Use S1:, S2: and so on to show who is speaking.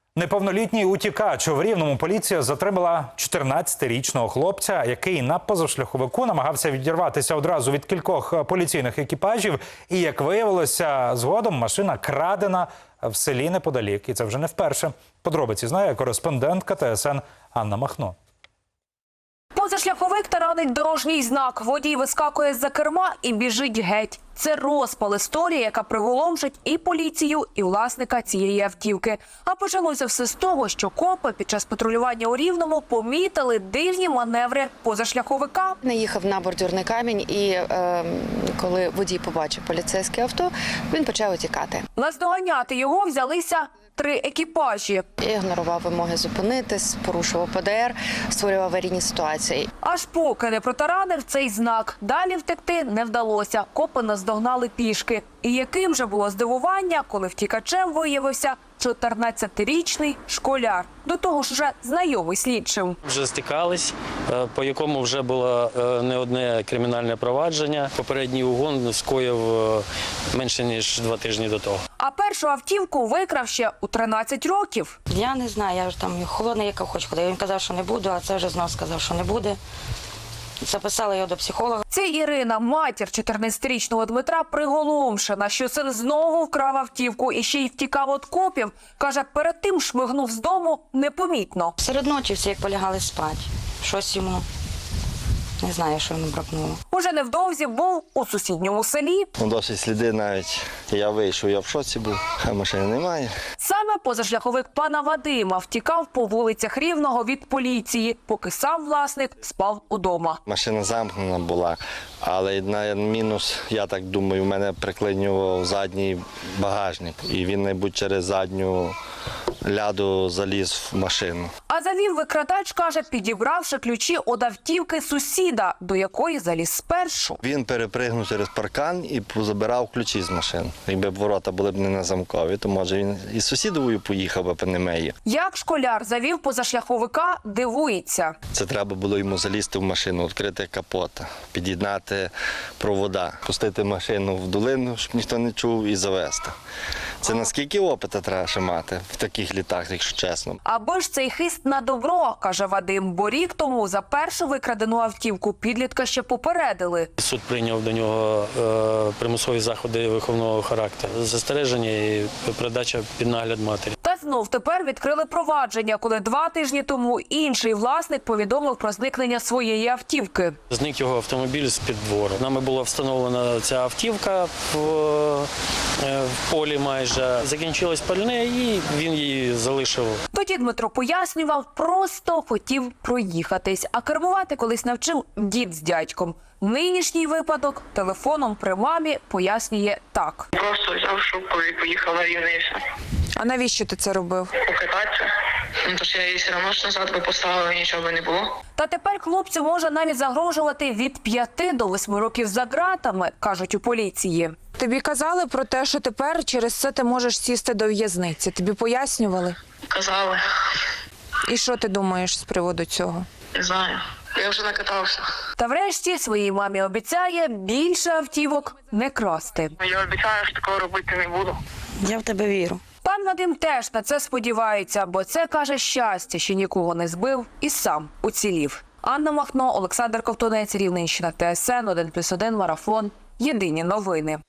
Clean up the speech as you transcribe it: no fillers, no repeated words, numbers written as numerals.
S1: Неповнолітній утікач. В Рівному поліція затримала 14-річного хлопця, який на позашляховику намагався відірватися одразу від кількох поліційних екіпажів. І, як виявилося, згодом машина крадена в селі неподалік. І це вже не вперше. Подробиці знає кореспондентка ТСН Анна Махно.
S2: Позашляховик таранить дорожній знак. Водій вискакує з-за керма і біжить геть. Це розпал історії, яка приголомшить і поліцію, і власника цієї автівки. А почалося все з того, що копи під час патрулювання у Рівному помітили дивні маневри позашляховика.
S3: Наїхав на бордюрний камінь і коли водій побачив поліцейське авто, він почав утікати.
S2: Наздоганяти його взялися 3 екіпажі.
S3: Ігнорував вимоги зупинитись, порушував ПДР, створював аварійні ситуації.
S2: Аж поки не протаранив цей знак. Далі втекти не вдалося. Копи наздогнали пішки. І яким же було здивування, коли втікачем виявився 14-річний школяр. До того ж вже знайомий слідчим.
S4: Вже стикались, по якому вже було не одне кримінальне провадження. Попередній угон скоїв менше, ніж 2 тижні до того.
S2: А першу автівку викрав ще у 13 років.
S5: Я не знаю, я ж там холодний, як хоч ходив. Він казав, що не буду, а це вже знов сказав, що не буде. Записала його до психолога.
S2: Це Ірина, матір 14-річного Дмитра, приголомшена, що син знову вкрав автівку і ще й втікав від копів. Каже, перед тим шмигнув з дому непомітно.
S5: Серед ночі всі як полягали спати. Щось йому, не знаю, що йому бракнуло.
S2: Уже невдовзі був у сусідньому селі.
S6: Досить сліди навіть. Я вийшов, я в шоці був, а машини немає.
S2: Саме позашляховик пана Вадима втікав по вулицях Рівного від поліції, поки сам власник спав удома.
S6: Машина замкнена була, але на мінус, я так думаю, в мене приклинював задній багажник. І він, мабуть, через задню ляду заліз в машину.
S2: А завів викрадач, каже, підібравши ключі від автівки сусіда, до якої заліз спершу.
S6: Він перепригнув через паркан і забирав ключі з машин. Якби ворота були б не на замкові, то, може, він і сусідовою поїхав, аби не меє.
S2: Як школяр завів позашляховика, дивується.
S6: Це треба було йому залізти в машину, відкрити капот, під'єднати провода, пустити машину в долину, щоб ніхто не чув, і завести. Це наскільки опиту треба ще мати в таких літах, якщо чесно.
S2: Аби ж цей хист на добро, каже Вадим, бо рік тому за першу викрадену автівку підлітка ще попередили.
S4: Суд прийняв до нього примусові заходи виховного характеру. Застереження і передача під нагляд матері.
S2: Та знов тепер відкрили провадження, коли 2 тижні тому інший власник повідомив про зникнення своєї автівки.
S4: Зник його автомобіль з-під двору. Нами була встановлена ця автівка в полі майже. Закінчилось пальне і він її залишив.
S2: Тоді Дмитро пояснював, просто хотів проїхатись, а кермувати колись навчив дід з дядьком. Нинішній випадок телефоном при мамі пояснює так.
S7: Просто взяв шубку і поїхав на Рівне і все.
S8: А навіщо ти це робив?
S7: Покататися. Тож я її все одно ж назад би поставила, нічого би не було.
S2: Та тепер хлопцю може навіть загрожувати від 5 до 8 років за ґратами, кажуть у поліції.
S8: Тобі казали про те, що тепер через це ти можеш сісти до в'язниці. Тобі пояснювали?
S7: Казали.
S8: І що ти думаєш з приводу цього?
S7: Не знаю. Я вже накатався.
S2: Та врешті своїй мамі обіцяє більше автівок не красти.
S7: Я обіцяю, що такого робити не буду.
S5: Я в тебе вірю.
S2: Пан Вадим теж на це сподівається, бо це, каже, щастя, що нікого не збив і сам уцілів. Анна Махно, Олександр Ковтунець, Рівненщина, ТСН 1+1, Марафон. Єдині новини.